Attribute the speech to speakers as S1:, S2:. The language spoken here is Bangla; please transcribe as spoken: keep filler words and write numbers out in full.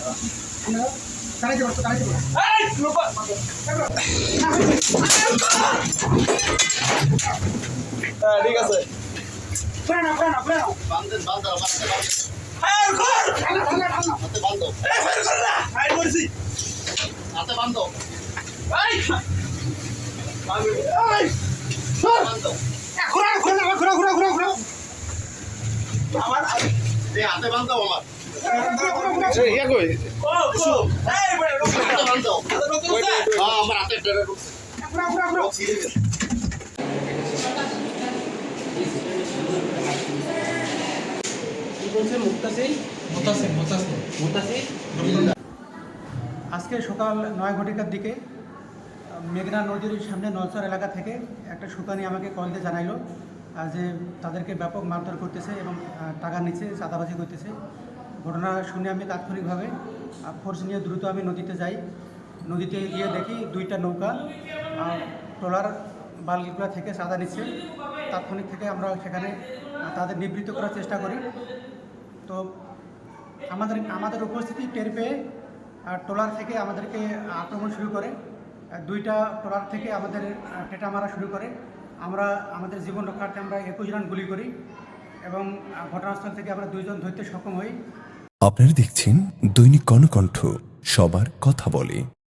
S1: ঠিক আছে হাতে বান্ধব আমার হাতে
S2: আজকে সকাল নয় ঘটিকার দিকে মেঘনা নদীর সামনে নলচর এলাকা থেকে একটা সুতানি আমাকে কল দিয়ে জানাইলো যে তাদেরকে ব্যাপক মারধর করতেছে এবং টাকা নিচ্ছে, চাঁদাবাজি করতেছে। ঘটনা শুনে আমি তাৎক্ষণিকভাবে ফোর্স নিয়ে দ্রুত আমি নদীতে যাই। নদীতে গিয়ে দেখি দুইটা নৌকা ট্রলার বালগুলা থেকে চাঁদা নিচ্ছে। তাৎক্ষণিক থেকে আমরা সেখানে তাদের নিবৃত্ত করার চেষ্টা করি। তো আমাদের আমাদের উপস্থিতি টের পেয়ে ট্রলার থেকে আমাদেরকে আক্রমণ শুরু করে। দুইটা ট্রলার থেকে আমাদের টেটা মারা শুরু করে। আমরা আমাদের জীবন রক্ষার্থে আমরা একুশ রান গুলি করি এবং ঘটনাস্থল থেকে আমরা দুইজন ধরতে সক্ষম হই।
S3: আপনারা দেখছেন দৈনিক কর্ণকণ্ঠ, সবার কথা বলে।